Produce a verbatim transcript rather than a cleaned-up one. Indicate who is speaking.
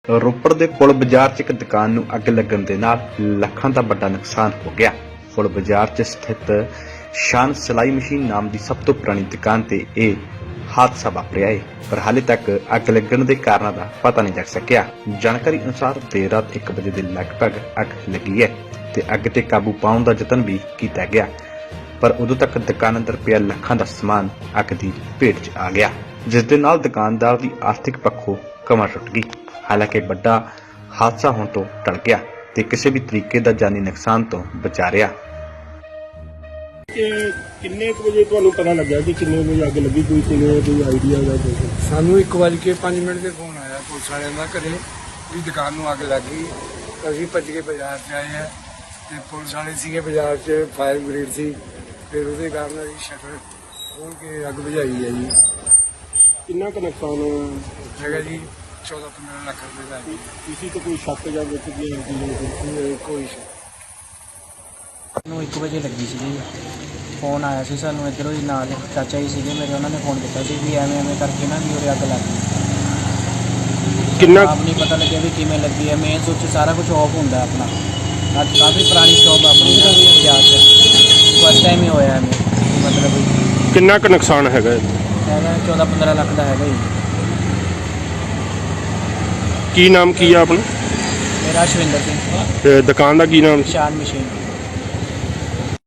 Speaker 1: ਰੋਪੜ ਦੇ ਪੁਲ ਬਾਜ਼ਾਰ 'ਚ ਇੱਕ ਦੁਕਾਨ ਨੂੰ ਅੱਗ ਲੱਗਣ ਦੇ ਨਾਲ ਲੱਖਾਂ ਦਾ ਵੱਡਾ ਨੁਕਸਾਨ ਹੋ ਗਿਆ। ਪੁਲ ਬਾਜ਼ਾਰ 'ਚ ਸਥਿਤ ਸ਼ਾਨ ਸਿਲਾਈ ਮਸ਼ੀਨ ਨਾਮ ਦੀ ਸਭ ਤੋਂ ਪੁਰਾਣੀ ਦੁਕਾਨ ਤੇ ਇਹ ਹਾਦਸਾ ਵਾਪਰਿਆ ਹੈ, ਪਰ ਹਾਲੇ ਤੱਕ ਅੱਗ ਲੱਗਣ ਦੇ ਕਾਰਨਾਂ ਦਾ ਪਤਾ ਨਹੀਂ ਲੱਗ ਸਕਿਆ। ਜਾਣਕਾਰੀ ਅਨੁਸਾਰ ਦੇਰ ਰਾਤ ਇੱਕ ਵਜੇ ਦੇ ਲਗਭਗ ਅੱਗ ਲੱਗੀ ਹੈ ਤੇ ਅੱਗ ਤੇ ਕਾਬੂ ਪਾਉਣ ਦਾ ਯਤਨ ਵੀ ਕੀਤਾ ਗਿਆ, ਪਰ ਉਦੋਂ ਤੱਕ ਦੁਕਾਨ ਅੰਦਰ ਪਿਆ ਲੱਖਾਂ ਦਾ ਸਮਾਨ ਅੱਗ ਦੀ ਭੇਟ 'ਚ ਆ ਗਿਆ, ਜਿਸ ਦੇ ਨਾਲ ਦੁਕਾਨਦਾਰ ਦੀ ਆਰਥਿਕ ਪੱਖੋਂ ਕਮਰ ਟੁੱਟ ਗਈ। ਹਾਲਾਂਕਿ ਵੱਡਾ ਹਾਦਸਾ ਹੋਣ ਤੋਂ ਟਲ ਗਿਆ ਤੇ ਕਿਸੇ ਵੀ ਤਰੀਕੇ ਦਾ ਜਾਨੀ ਨੁਕਸਾਨ ਤੋਂ ਬਚਾ ਰਿਹਾ।
Speaker 2: ਕਿ ਕਿੰਨੇ ਕੁ ਵਜੇ ਤੁਹਾਨੂੰ ਪਤਾ ਲੱਗਾ ਕਿ ਕਿੰਨੇ ਵਜੇ ਅੱਗ ਲੱਗੀ? ਕੋਈ ਕਿੰਨੇ ਕੋਈ ਆਈਡੀਆ ਜਾਂ ਕੋਈ?
Speaker 3: ਸਾਨੂੰ ਇੱਕ ਵਜੇ ਕੇ ਪੰਜ ਮਿੰਟ ਤੇ ਫੋਨ ਆਇਆ ਪੁਲਿਸ ਵਾਲਿਆਂ ਦਾ ਘਰੇ ਵੀ ਦੁਕਾਨ ਨੂੰ ਅੱਗ ਲੱਗ ਗਈ। ਅਸੀਂ ਭੱਜ ਕੇ ਬਾਜ਼ਾਰ 'ਚ ਆਏ ਆ ਤੇ ਪੁਲਿਸ ਵਾਲੇ ਸੀਗੇ ਬਾਜ਼ਾਰ 'ਚ, ਫਾਇਰ ਬ੍ਰਿਗੇਡ ਸੀ, ਫਿਰ ਉਹਦੇ ਕਾਰਨ ਅਸੀਂ ਸ਼ਟਰ ਖੋਲ੍ਹ ਕੇ ਅੱਗ ਬੁਝਾਈ ਹੈ ਜੀ।
Speaker 2: ਕਿੰਨਾ ਕੁ ਨੁਕਸਾਨ
Speaker 3: ਹੈਗਾ ਜੀ ਚੌਦਾਂ ਪੰਦਰਾਂ ਲੱਖ ਰੁਪਏ ਦਾ।
Speaker 2: ਕਿਸੇ ਤੋਂ ਕੋਈ ਸ਼ੱਕ ਜਾਂ ਵਿੱਚ ਗਿਆ
Speaker 3: ਕੋਈ- ਕੋਈ ਸ਼ੱਕ
Speaker 4: ਨੂੰ ਇੱਕ ਵਜੇ ਲੱਗੀ ਸੀ ਜੀ। ਫੋਨ ਆਇਆ ਸੀ ਸਾਨੂੰ ਇੱਧਰੋਂ ਹੀ, ਨਾਲ ਚਾਚਾ ਜੀ ਸੀਗੇ ਮੇਰੇ, ਉਹਨਾਂ ਨੇ ਫੋਨ ਕੀਤਾ ਸੀ ਵੀ ਐਵੇਂ ਐਵੇਂ ਕਰਕੇ ਨਾ ਵੀ ਉਰੇ ਅੱਗ ਲੱਗ ਗਈ।
Speaker 2: ਕਿੰਨਾ
Speaker 4: ਆਪ ਨਹੀਂ ਪਤਾ ਲੱਗਿਆ ਵੀ ਕਿਵੇਂ ਲੱਗੀ ਹੈ। ਮੇਨ ਸੁੱਚ ਸਾਰਾ ਕੁਝ ਆਫ ਹੁੰਦਾ ਆਪਣਾ। ਅੱਜ ਕਾਫੀ ਪੁਰਾਣੀ ਸ਼ੌਪ ਆਪਣੀ ਨਾ ਬਾਜ਼ਾਰ 'ਚ, ਫਸਟ ਟਾਈਮ ਹੀ ਹੋਇਆ ਐਵੇਂ, ਮਤਲਬ
Speaker 2: ਕਿੰਨਾ ਕੁ ਨੁਕਸਾਨ ਹੈਗਾ?
Speaker 4: ਹੈਗਾ ਚੌਦਾਂ ਪੰਦਰਾਂ ਲੱਖ ਦਾ ਹੈਗਾ ਜੀ।
Speaker 2: ਕੀ ਨਾਮ ਕੀ ਆ ਆਪਣਾ?
Speaker 4: ਮੇਰਾ ਸ਼ਵਿੰਦਰ ਸਿੰਘ,
Speaker 2: ਤੇ ਦੁਕਾਨ ਦਾ ਕੀ ਨਾਮ?
Speaker 4: ਸ਼ਾਨ ਮਸ਼ੀਨ।